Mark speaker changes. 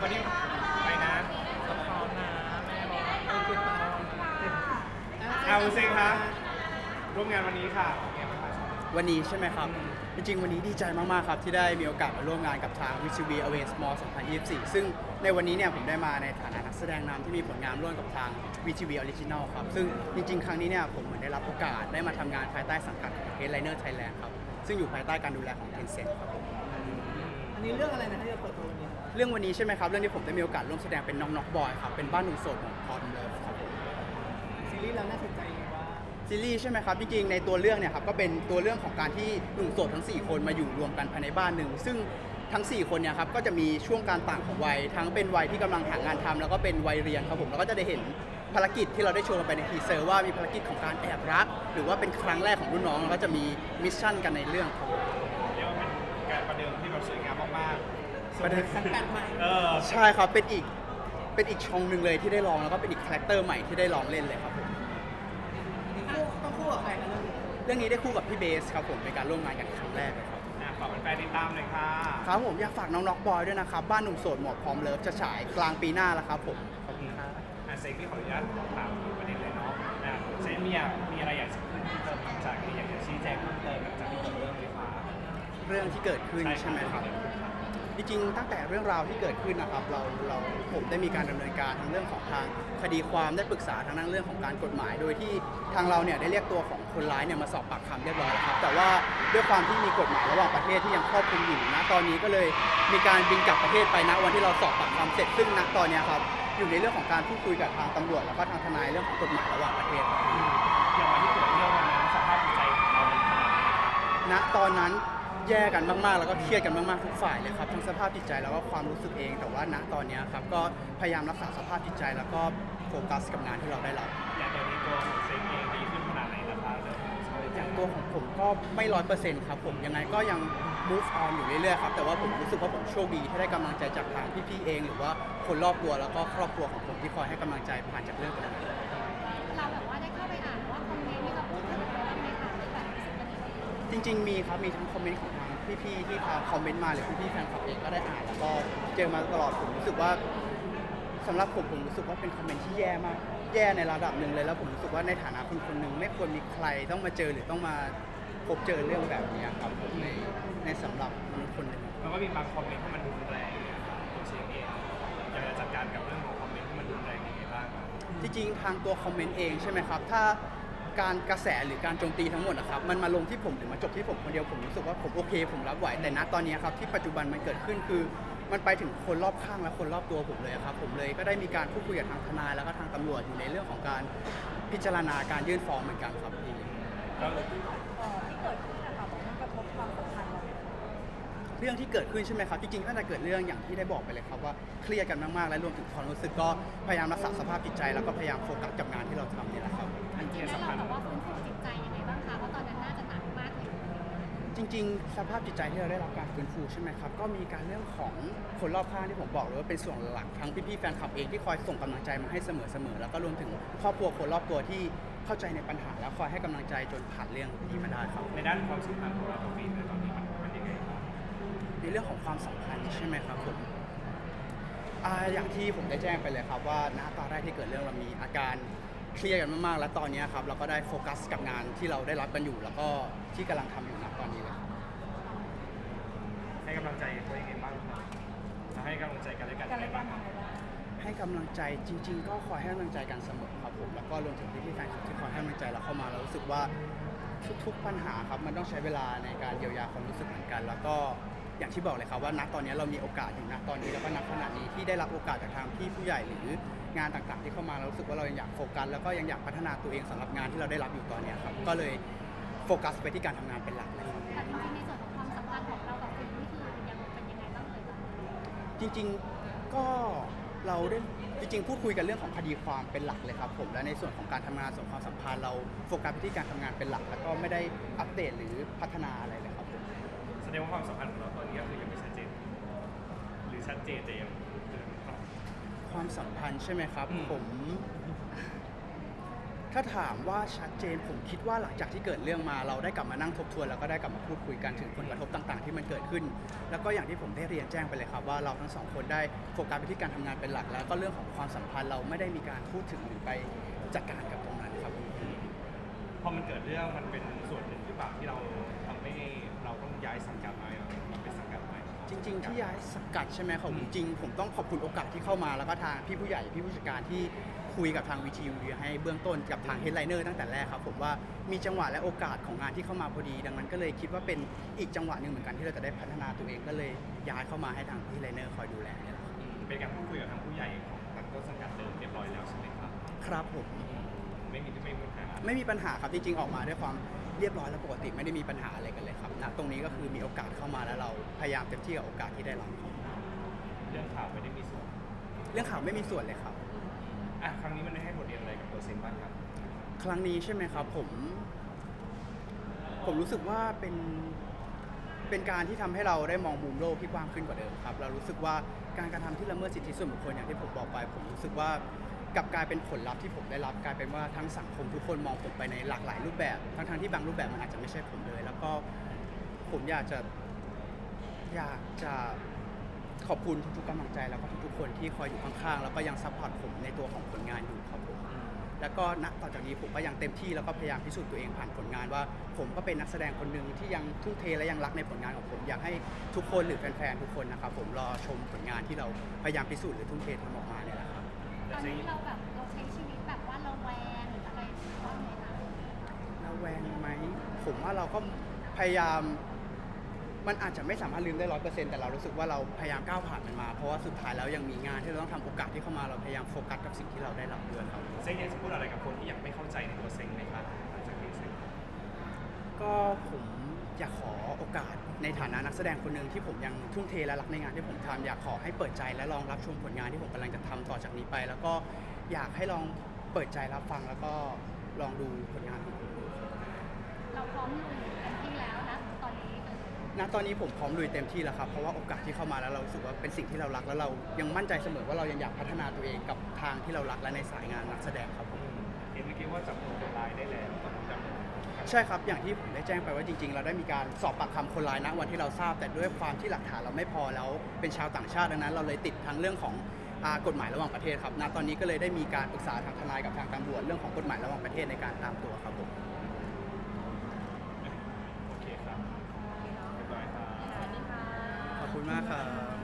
Speaker 1: วันนี้ไปนะเอาซิงครับร่วมงานวันนี้ค่ะ
Speaker 2: วันนี้ใช่ไหมครับ จริงๆวันนี้ดีใจมากๆครับที่ได้มีโอกาสมาร่วมงานกับทาง VTV Away Small 2024 ซึ่งในวันนี้เนี่ยผมได้มาในฐานะนักแสดงนำที่มีผลงานร่วมกับทาง VTV Original ครับซึ่งจริงๆครั้งนี้เนี่ยผมเหมือนได้รับโอกาสได้มาทำงานภายใต้สังกัดของ Headliner Thailand ครับซึ่งอยู่ภายใต้การดูแลของ Tencent ครับผม
Speaker 3: อันนี้เรื่องอะไรนะที่จะเปิดตัววันนี้
Speaker 2: เรื่องวันนี้ใช่ไหมครับเรื่องที่ผมได้มีโอกาสร่วมแสดงเป็นน้องน็อกบอยครับเป็นบ้านหนุ่มโสดของพอดเลิฟครับผม
Speaker 3: ซีรีส์เราน่าสนใจยังไงว่า
Speaker 2: ซีรีส์ใช่ไหมครับจริงๆในตัวเรื่องเนี่ยครับก็เป็นตัวเรื่องของการที่หนุ่มโสดทั้ง 4 คนมาอยู่รวมกันภายในบ้านหนึ่งซึ่งทั้ง 4 คนเนี่ยครับก็จะมีช่วงการต่างของวัยทั้งเป็นวัยที่กำลังหางานทำแล้วก็เป็นวัยเรียนครับผมแล้วก็จะได้เห็นภารกิจที่เราได้โชว์กันไปในทีเซอร์ว่ามีภารกิจของการแอบรัก หรือว่าเป็นครั้งแรกของรุ่นน้องแล้วก็จะมีมิชชั่นกันในเรื่องครับผม
Speaker 1: เรียกว่าเป็นการประเดิมที่แบบสวยงามมากๆ
Speaker 2: ประเดิม
Speaker 3: สังกัดใหม่
Speaker 2: ใช่ครับเป็นอีกช่องหนึ่งเลยที่ได้ลองแล้วก็เป็นอีกคาแรคเตอร์ใหม่ที่ได้ลองเล่นเลยครับผม
Speaker 3: ต้องคู่กับใครกันเรื่องนี้
Speaker 2: เรื่องนี้ได้คู่กับพี่เบสครับผมเป็นการร่วมงานกันครั้งแรกเลยครับ
Speaker 1: ฝากแฟนๆติดตามหน่อยค่ะ
Speaker 2: ครับผมอยากฝากน้องน็อกบอยด้วยนะครับบ้านหนุ่มโสดหมวกพร้อมเลิฟจะฉายกลางปีหน้าแล้วครับผมขอบคุณครับ
Speaker 1: เซฟที่ขออนุญาตถามประเด็นเลยเนาะเซฟมีอะไรอยากจะเพิ่มเติมหลังจากที่อยากจะชี้แจงเพิ่มเติมหลังจากที่จบเรื่องไหมคะ
Speaker 2: เรื่องที่เกิดขึ้นใช่ไหมครับจริงๆตั้งแต่เรื่องราวที่เกิดขึ้นนะครับผมได้มีการดำเนินการทั้งเรื่องของทางคดีความได้ปรึกษาทางด้านเรื่องของการกฎหมาย โดยที่ทางเราเนี่ยได้เรียกตัวของคนร้ายเนี่ยมาสอบปากคำเรียบร้อยแล้วครับแต่ว่าด้วยความที่มีกฎหมายระหว่างประเทศที่ยังครอบคลุมอยู่นะตอนนี้ก็เลยมีการบินกลับประเทศไปณวันที่เราสอบปากคำเสร็จซึ่งณตอนเนี้ยครับอยู่ในเรื่องของการพูดคุยกับทางตำรวจแล้วก็ทางทนายเรื่องของกฎหมายระหว่างประเทศครับ
Speaker 1: อย่างวันที่เกิดเรื่องวันนั้นสภาพจิตใจของเราเป็นขนาดไหนครับ
Speaker 2: ณตอนนั้นแย่กันมากๆ แล้วก็เครียดกันมากๆทุกฝ่ายเลยครับทั้งสภาพจิตใจแล้วก็ความรู้สึกเอง แต่ว่าณตอนนี้ครับก็พยายามรักษาสภาพจิตใจแล้วก็โฟกัสกับงานที่เราได้รับ
Speaker 1: อย่างตอนนี้ตัวของเซฟเองดีขึ้นขนาดไหนแล้วคะเรื่องของสภาพจิตใจ
Speaker 2: อย่างตัวของผมก็ไม่100%ครับผมยังไงก็ยัง move on อยู่เรื่อยๆครับแต่ว่าผมรู้สึกว่าผมโชคดีที่ได้กำลังใจจากทางพี่ๆเอง หรือว่าคนรอบตัวแล้วก็ครอบครัวของผมที่คอยให้กำลังใจผ่านจากเรื่องตรงนี้
Speaker 4: เราแบบว่าได้เข้าไปอ่านว่าคอมเมนต์ที่เราพูดถึงอะไรบ้างไหมคะที่แบบรู้สึกว่าดี
Speaker 2: จริงๆมีครับมีทั้งคอมเมนต์ของทางพี่ๆที่ทางคอมเมนต์มาหรือพี่ๆแฟนคลับเองก็ได้อ่านแล้วก็เจอมาตลอดผมรู้สึกว่าสำหรับผมรู้สึกว่าเป็นคอมเมนต์ที่แย่มากแย่ในระดับหนึ่งเลยแล้วผมรู้สึกว่าในฐานะคนคนหนึ่งไม่ควรมีใครต้องมาเจอหรือต้องมาพบเจอเรื่องแบบนี้ครับผมในสำหรับมนุษย์คนหนึ่ง
Speaker 1: มันก็มีบางคอมเมนต์ที่มันรุนแรงนะครับตัวเชฟเองอยากจะจัดการกับเรื่องของคอมเมนต์ที่มันรุนแรงยังไงบ้างครับ
Speaker 2: จริงๆทางตัวคอมเมนต์เองใช่ไหมครับถ้าการกระแสหรือการโจมตีทั้งหมดนะครับมันมาลงที่ผมหรือมาจบที่ผมคนเดียวผมรู้สึกว่าผมโอเคผมรับไหวแต่ณตอนนี้ครับที่ปัจจุบันมันเกิดขึ้นคือมันไปถึงคนรอบข้างและคนรอบตัวผมเลยครับผมเลยก็ได้มีการพูดคุยกับทางทนายแล้วก็ทางตำรวจอยู่ในเรื่องของการพิจารณาการยื่นฟ้องเหมือนกันครับพี่
Speaker 1: แล้ว
Speaker 4: ที่เกิดขึ้นนะคะบอกมันกระทบความสัมพันธ์เรา
Speaker 2: เรื่องที่เกิดขึ้นใช่ไหมครับจริงๆตั้งแต่เกิดเรื่องอย่างที่ได้บอกไปเลยครับว่าเครียดกันมากๆและรวมถึงความรู้สึกก็พยายามรักษาสภาพจิตใจแล้วก็พยายามโฟกัสกับงานที่เราทำนี่แหละครับ
Speaker 1: อันที่
Speaker 4: แล้ว
Speaker 1: สำคัญ
Speaker 4: เราแบบว่าฟื้นฟูจิตใจยังไงบ้างคะเพราะตอนนั้นน่าจะหนักมากเลย
Speaker 2: จริงๆ สภาพจิตใจที่เราได้รับการฟื้นฟูใช่ไหมครับก็มีการเรื่องของคนรอบข้างที่ผมบอกเลยว่าเป็นส่วนหลักทั้งพี่ๆแฟนคลับเองที่คอยส่งกำลังใจมาให้เสมอๆแล้วก็รวมถึงครอบครัวคนรอบตัวที่เข้าใจในปัญหาแล้วคอยให้กำลังใจจนผ่านเรื่องนี้มาได้ครับ
Speaker 1: ในด้านความสัมพันธ์ของเรากับฟีนในตอนนี้มันยังไงครับ
Speaker 2: ในเรื่องของความสัมพันธ์ใช่ไหมครับผมอย่างที่ผมได้แจ้งไปเลยครับว่าณตอนแรกที่เกิดเรื่องเรามีอาการเครียดกันมากๆและตอนนี้ครับเราก็ได้โฟกัสกับงานที่เราได้รับกันอยู่ แล้วก็ที่กำลังทำอยู่ณตอนนี้เลยครับ
Speaker 1: ให้กำลังใจตัวเองยังไงบ้างครับจะให้กำลังใจกันและกันยังไงบ้างครับ
Speaker 2: ให้กำลังใจจริง ๆ ก็คอยให้กำลังใจกันเสมอครับผมแล้วก็รวมถึงพี่ๆแฟนคลับที่คอยให้กำลังใจเราเข้ามาเรารู้สึกว่าทุกๆปัญหาครับมันต้องใช้เวลาในการเยียวยาความรู้สึกเหมือนกัน แล้วก็อย่างที่บอกเลยครับว่าณตอนนี้เรามีโอกาสอยู่ณตอนนี้แล้วก็ณขณะนี้ที่ได้รับโอกาสจากทางพี่ผู้ใหญ่หรืองานต่างๆที่เข้ามาเรารู้สึกว่าเรายังอยากโฟกัสแล้วก็ยังอยากพัฒนาตัวเองสำหรับงานที่เราได้รับอยู่ตอนนี้ครับก็เลยโฟกัสไปที่การทำงานเป็นหลักเลยครับ
Speaker 4: แต่จริงๆในส่วนของความสัมพันธ์ของเรากับคุณนี่คือยังเป็นยังไงบ้างเลยตอนนี้
Speaker 2: จริงๆก็เราได้จริงๆพูดคุยกันเรื่องของคดีความเป็นหลักเลยครับผมและในส่วนของการทำงานส่วนความสัมพันธ์เราโฟกัสไปที่การทำงานเป็นหลัก แล้วก็ไม่ได้อัปเดตหรือพัฒนาอะไรเลยครับผม
Speaker 1: แสดงว่าความสัมพันธ์ของเราตอนนี้ก็คือยังไม่ชัดเจนหรือชัดเจนแต่ยัง
Speaker 2: ความสัมพันธ์ใช่ไหมครับผมถ้าถามว่าชัดเจนผมคิดว่าหลังจากที่เกิดเรื่องมาเราได้กลับมานั่งทบทวนแล้วก็ได้กลับมาพูดคุยกันถึงผลกระทบต่างๆที่มันเกิดขึ้น แล้วก็อย่างที่ผมได้เรียนแจ้งไปเลยครับว่าเราทั้งสองคนได้โฟกัสไปที่การทำงานเป็นหลัก แล้วก็เรื่องของความสัมพันธ์เราไม่ได้มีการพูดถึงหรือไปจัดการกับตรงนั้นครับ
Speaker 1: พอมันเกิดเรื่องมันเป็นส่วนหนึ่งหรือเปล่าที่เราทำให้เราต้องย้ายสังกัดมาเป็นสังกัดใหม่
Speaker 2: จริงๆที่ย้ายสังกัดใช่ไหมครับจริงๆผมต้องขอบคุณโอกาสที่เข้ามาแล้วก็ทางพี่ผู้ใหญ่พี่ผู้จัดการที่คุยกับทางวีทีวีให้เบื้องต้นกับทางเฮดไลเนอร์ตั้งแต่แรกครับผมว่ามีจังหวะและโอกาสของงานที่เข้ามาพอดี ดังนั้นก็เลยคิดว่าเป็นอีกจังหวะหนึ่งเหมือนกันที่เราจะได้พัฒนาตัวเองก็เลยย้ายเข้ามาให้ทางพี่ไลเนอร์คอยดูแลเนี่ยแหละครับ
Speaker 1: เป็นการพูดคุยกับทางผู้ใหญ่ของทางต้นสังกัดเดิมเรียบร้อยแล้วใช่ไหมครับ
Speaker 2: ครับผม
Speaker 1: ไม่มีปัญหา
Speaker 2: ไม่มีปัญหาครับจริงๆออกมาด้วยความเรียบร้อยและปกติไม่ได้มีปัญหาอะไรกันเลยครับณตรงนี้ก็คือมีโอกาสเข้ามาแล้วเราพยายามเต็มที่กับโอกาสที่ได้รับครับ
Speaker 1: เรื่องข่าวไม่ได้มีส่วน
Speaker 2: เรื่องข่าวไม่มีส่วนเลยครับ
Speaker 1: ครั้งนี้มันได้ให้บทเรียนอะไรกับตัวเซนบ้างครับ
Speaker 2: ครั้งนี้ใช่ไหมครับผมรู้สึกว่าเป็นการที่ทำให้เราได้มองมุมโลกที่กว้างขึ้นกว่าเดิมครับเรารู้สึกว่าการกระทำที่ละเมิดสิทธิส่วนบุคคลอย่างที่ผมบอกไป ผมรู้สึกว่ากลับกลายเป็นผลลัพธ์ที่ผมได้รับกลายเป็นว่าทั้งสังคมทุกคนมองผมไปในหลากหลายรูปแบบทั้งที่บางรูปแบบมันอาจจะไม่ใช่ผมเลย แล้วก็ผมอยากจะขอบคุณทุกๆกำลังใจแล้วก็ทุกๆคนที่คอยอยู่ข้างๆแล้วก็ยังซัพพอร์ตผมในตัวของผลงานอยู่ครับผมแล้วก็ณต่อจากนี้ผมก็ยังเต็มที่แล้วก็พยายามพิสูจน์ตัวเองผ่านผลงานว่าผมก็เป็นนักแสดงคนหนึ่งที่ยังทุ่มเทและยังรักในผลงานของผมอยากให้ทุกคนหรือแฟนๆทุกคนนะครับผมรอชมผลงานที่เราพยายามพิสูจน์หรือทุ่มเททำออกมาเนี่ยแหละครับ
Speaker 4: ตอนนี้เราใช้ชีวิตแบบว่าระแวงหรืออะไรบ้างไหมคะ
Speaker 2: ระแวงไหมผมว่าเราก็พยายามมันอาจจะไม่สามารถลืมได้100%แต่เรารู้สึกว่าเราพยายามก้าวผ่านมันมาเพราะว่าสุดท้ายแล้วยังมีงานที่เราต้องทำโอกาสที่เข้ามาเราพยายามโฟกัสกับสิ่งที่เราได้รับด้วยครับ
Speaker 1: เซ็งอยากจะพูดอะไรกับคนที่ยังไม่เข้าใจในตัวเซ็งไหมครับหลังจากนี้เซ็ง
Speaker 2: ก็ผมอยากขอโอกาสในฐานะนักแสดงคนหนึ่งที่ผมยังทุ่มเทและรักในงานที่ผมทำอยากขอให้เปิดใจและลองรับชมผลงานที่ผมกำลังจะทำต่อจากนี้ไป แล้วก็อยากให้ลองเปิดใจรับฟังแล้วก็ลองดูผลงานของผมดูครับ
Speaker 4: เราพร้อมลุยเต็มที่แล้วนะตอนนี้
Speaker 2: ณตอนนี้ผมพร้อมลุยเต็มที่แล้วครับเพราะว่าโอกาสที่เข้ามาแล้วเรารู้สึกว่าเป็นสิ่งที่เรารักแล้วเรายังมั่นใจเสมอว่าเรายังอยากพัฒนาตัวเองกับทางที่เรารักและในสายงานนักแสดงครับผม
Speaker 1: เห็นเมื่อกี้ว่าจับตัวคนร้ายได้แล้วตอนนี้จับ
Speaker 2: ใช่ครับอย่างที่ผมได้แจ้งไปว่าจริงๆ เราได้มีการสอบปากคำคนร้ายณวันที่เราทราบแต่ด้วยความที่หลักฐานเราไม่พอแล้วเป็นชาวต่างชาติดังนั้น เราเลยติดทั้งเรื่องของกฎหมายระหว่างประเทศครับณตอนนี้ก็เลยได้มีการปรึกษาทางทนายกับทางตำรวจเรื่องของกฎหมายระหว่างประเทศในการตามตัวครับผม
Speaker 1: โอเคครับเรียบร้อยครับ
Speaker 2: ขอบคุณมากครับ